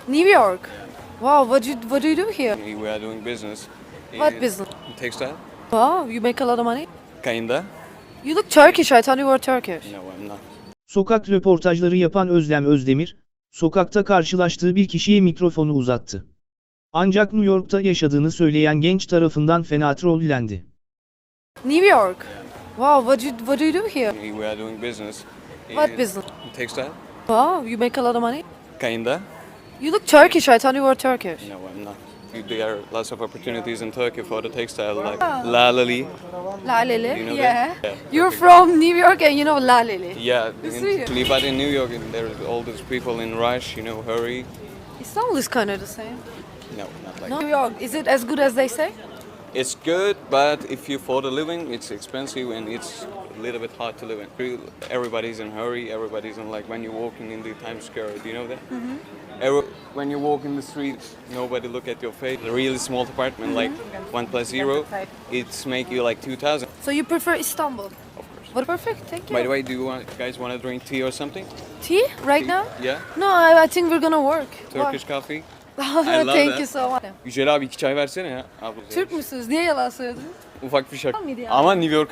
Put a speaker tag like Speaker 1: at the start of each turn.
Speaker 1: New York. Wow, what do you do here?
Speaker 2: We are doing business.
Speaker 1: What business?
Speaker 2: Textile.
Speaker 1: Wow, you make a lot of money.
Speaker 2: Kinda.
Speaker 1: You look Turkish. I thought you were Turkish.
Speaker 2: No, I'm not.
Speaker 3: Sokak röportajları yapan Özlem Özdemir, sokakta karşılaştığı bir kişiye mikrofonu uzattı. Ancak New York'ta yaşadığını söyleyen genç tarafından fena trollendi.
Speaker 1: New York. Wow, what do you do here?
Speaker 2: We are doing business.
Speaker 1: What business?
Speaker 2: Textile.
Speaker 1: Wow, you make a lot of money.
Speaker 2: Kinda.
Speaker 1: You look Turkish. I thought you were Turkish.
Speaker 2: No, I'm not. There are lots of opportunities in Turkey for the textile, like Laleli.
Speaker 1: Laleli.
Speaker 2: You know
Speaker 1: Yeah.
Speaker 2: that? Yeah.
Speaker 1: You're from New York and you know Laleli.
Speaker 2: Yeah,
Speaker 1: Sweet.
Speaker 2: but in New York, there are all these people in rush, hurry.
Speaker 1: Istanbul is kind of the same.
Speaker 2: No, not like
Speaker 1: No.
Speaker 2: that.
Speaker 1: New York, is it as good as they say?
Speaker 2: It's good, but if you for the living, it's expensive and it's a little bit hard to live in. Everybody's in hurry. Everybody's in like when you're walking in the Times Square. Do you know that? When you walk in the street, nobody look at your face. A really small apartment, like 1+0, it's make you like 2,000.
Speaker 1: So you prefer Istanbul?
Speaker 2: Of course.
Speaker 1: What perfect, thank you.
Speaker 2: By the way, do you guys want to drink tea or something?
Speaker 1: Tea right now?
Speaker 2: Yeah.
Speaker 1: No, I think we're gonna work.
Speaker 2: Turkish coffee.
Speaker 1: Why?
Speaker 2: I love
Speaker 1: Thank
Speaker 2: that.
Speaker 1: you so much.
Speaker 2: Yücel abi 2 çay versene ya. Abi,
Speaker 1: Türk müsünüz? Niye yalan söyledin?
Speaker 2: Ufak bir şaka.
Speaker 1: Mıydı ya?
Speaker 2: Ama New York